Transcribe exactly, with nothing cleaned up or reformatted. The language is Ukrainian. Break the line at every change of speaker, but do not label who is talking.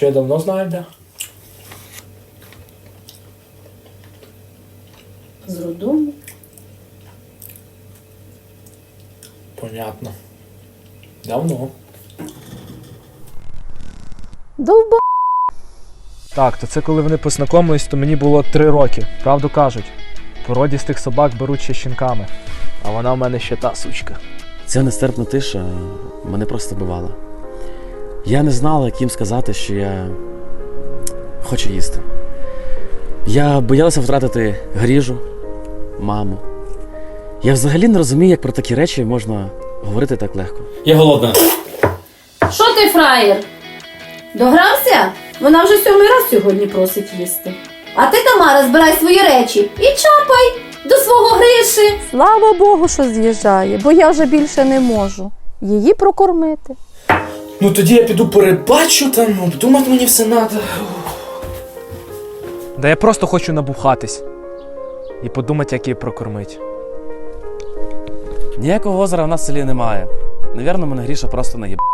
що я давно знаю, де.
З роддому.
Понятно. Давно.
Довба.
Так, то це коли вони познайомились, то мені було три роки. Правду кажуть. Породістих собак беруть ще щенками. А вона в мене ще та сучка.
Ця нестерпна тиша мене просто бивала. Я не знала, як їм сказати, що я хочу їсти. Я боялася втратити Гріжу, маму. Я взагалі не розумію, як про такі речі можна говорити так легко.
Я голодна.
Що ти, фраєр? Догрався? Вона вже сьомий раз сьогодні просить їсти. А ти, Тамара, збирай свої речі і чапай до свого Гриші.
Слава Богу, що з'їжджає, бо я вже більше не можу її прокормити.
Ну тоді я піду перебачу, там обдумати мені все надо.
Да я просто хочу набухатись. І подумати, як її прокормить.
Ніякого озера в нас в селі немає. Навірно, мене Гріша просто наїб.